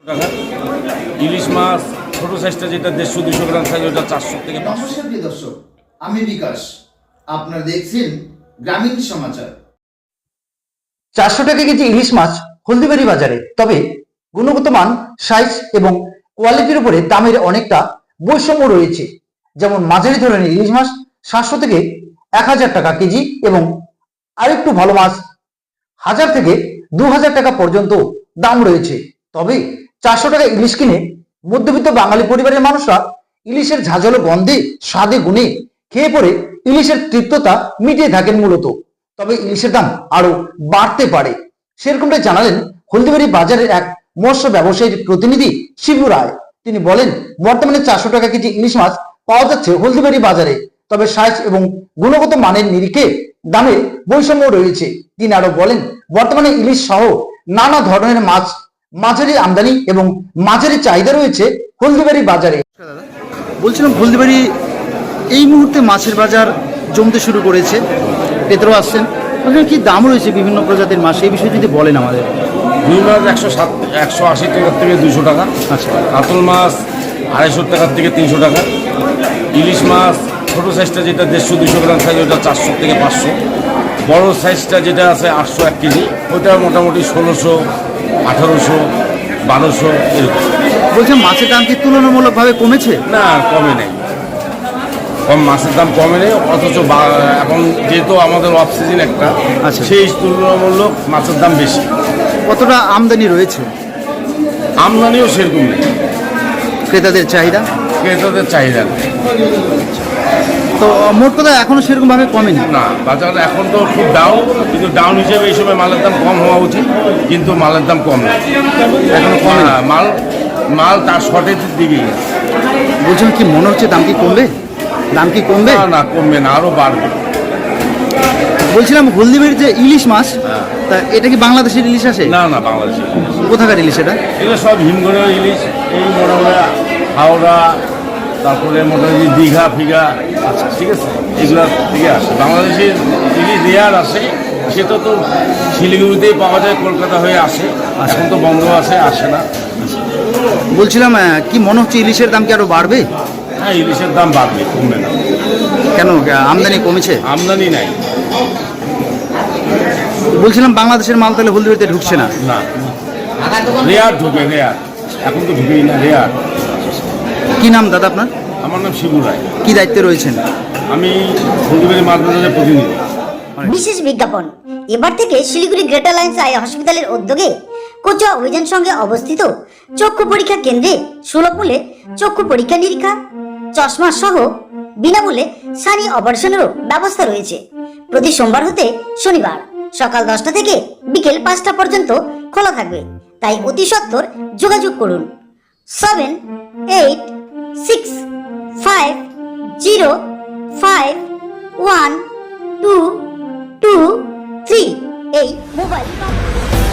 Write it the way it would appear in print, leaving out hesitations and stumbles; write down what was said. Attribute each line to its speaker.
Speaker 1: টাকা। ইলিশ মাছ ছোট সাইজটা যেটা 150-200 গ্রাম সাইজ ওটা 400 থেকে 500।
Speaker 2: নমস্কার প্রিয় দর্শক, আমি বিকাশ। আপনারা দেখছেন গ্রামীণ সমাচার।
Speaker 3: 400 টাকা কেজি ইলিশ মাছ হলদিবাড়ি বাজারে। তবে গুণগত মান, সাইজ এবং কোয়ালিটির উপরে দামের অনেকটা বৈষম্য রয়েছে। যেমন মাঝারি ধরনের ইলিশ মাছ 700 থেকে 1000 টাকা কেজি এবং আরেকটু ভালো মাছ 1000 থেকে 2000 টাকা পর্যন্ত দাম রয়েছে। তবে 400 টাকা ইলিশ কিনে মধ্যবিত্ত বাঙালি পরিবারের মানুষরা ইলিশের ঝাঁঝালো গন্ধে, স্বাদে, গুণে খেয়ে পরে ইলিশের তৃপ্ততা মিটিয়ে থাকেন মূলত। তবে ইলিশের দাম আরো বাড়তে পারে, সেরকমটাই জানালেন হলদিবাড়ি বাজারের এক মৎস্য ব্যবসায়ীর প্রতিনিধি শিবু রায়। তিনি বলেন, বর্তমানে 400 টাকা কেজি ইলিশ মাছ পাওয়া যাচ্ছে হলদিবাড়ি বাজারে। তবে সাইজ এবং গুণগত মানের নিরিখে দামে বৈষম্য রয়েছে। তিনি আরো বলেন, বর্তমানে ইলিশ সহ নানা ধরনের মাছ মাঝারি আমদানি এবং মাঝারি চাহিদা রয়েছে হলদিবাড়ি বাজারে।
Speaker 4: বলছিলাম, হলদিবাড়ি এই মুহূর্তে মাছের বাজার জমতে শুরু করেছে, ক্রেতারাও আসছেন। ওখানে কি দাম রয়েছে বিভিন্ন প্রজাতির মাছ, এই বিষয়ে যদি বলেন আমাদের।
Speaker 1: রুই মাছ 180 টাকা থেকে 200 টাকা।
Speaker 4: আচ্ছা,
Speaker 1: কাতল মাছ 250 টাকা থেকে 300 টাকা। ইলিশ মাছ ছোট সাইজটা যেটা 150-200 গ্রাম সাইজ ওটা 400 থেকে 500। বড় সাইজটা যেটা আছে 801 কেজি, ওটা মোটামুটি 1600, 1800, 1200 এরকম।
Speaker 4: বলছিলাম, মাছের দাম কি তুলনামূলকভাবে কমেছে?
Speaker 1: না, কমে নেই, মাছের দাম কমে নেই। অথচ এখন যেহেতু আমাদের অফ সিজন একটা,
Speaker 4: আচ্ছা,
Speaker 1: সেই তুলনামূলক মাছের দাম বেশি।
Speaker 4: কতটা আমদানি রয়েছে?
Speaker 1: আমদানিও সেরকম নেই,
Speaker 4: ক্রেতাদের চাহিদা
Speaker 1: নেই।
Speaker 4: তো মোট কথা এখনো সেরকম ভাবে কমেনি।
Speaker 1: না, বাজার এখন তো খুব ডাউন, কিন্তু ডাউন হিসেবে এই সময় মালের দাম কম হওয়া উচিত, কিন্তু মালের দাম কম নেই, এখনো কমে না। মাল তার শর্টেজের দিকেই।
Speaker 4: বলছিলাম, কি মনে হচ্ছে দাম কি কমবে?
Speaker 1: না, কমবে না, আরো বাড়বে।
Speaker 4: বলছিলাম, হলদিবাড়ির যে ইলিশ মাছ, তা এটা কি বাংলাদেশের ইলিশ আসে?
Speaker 1: না, বাংলাদেশে।
Speaker 4: কোথাকার ইলিশ এটা?
Speaker 1: এগুলো সব হিমঘরের ইলিশ, এই মোটামুটি হাওড়া, তারপরে মোটামুটি দীঘা ফিঘা, ঠিক আছে, এগুলো থেকে আসে। বাংলাদেশের ইলিশ রেয়ার আসে, সেটা তো শিলিগুড়িতেই পাওয়া যায়, কলকাতা হয়ে আসে। এখন তো বন্ধ আসে না।
Speaker 4: বলছিলাম, কি মনে হচ্ছে ইলিশের দাম কি আরো বাড়বে?
Speaker 1: হ্যাঁ, ইলিশের দাম বাড়বে, কমবে না।
Speaker 4: কেন, আমদানি কমেছে?
Speaker 1: আমদানি নাই।
Speaker 4: বলছিলাম, বাংলাদেশের মাল তাহলে হলদিবাড়িতে ঢুকছে না?
Speaker 1: না, রেয়ার ঢুকে, এখন তো ঢুকেই না, রেয়ার।
Speaker 4: কি নাম দাদা আপনার?
Speaker 1: আমার নাম শিবু রায়।
Speaker 4: কি দায়িত্বে রয়েছেন?
Speaker 1: আমি হলদিবাড়ি মাছ বাজারের প্রতিনিধি।
Speaker 5: বিশেষ বিজ্ঞাপন, এবার থেকে শিলিগুড়ি গ্রেটার লাইন্স আই হসপিটালের উদ্যোগে কোচুয়া অভিযান সঙ্গে অবস্থিত চক্ষু পরীক্ষা কেন্দ্রে সুলভ মূল্যে চক্ষু পরীক্ষা নিরীক্ষা, চশমা সহ বিনামূল্যে সানি অপারেশনেরও ব্যবস্থা রয়েছে। প্রতি সোমবার হতে শনিবার সকাল 10টা থেকে বিকেল 5টা পর্যন্ত খোলা থাকবে। তাই অতি সত্বর যোগাযোগ করুন 7865051223 এই মোবাইল নম্বর।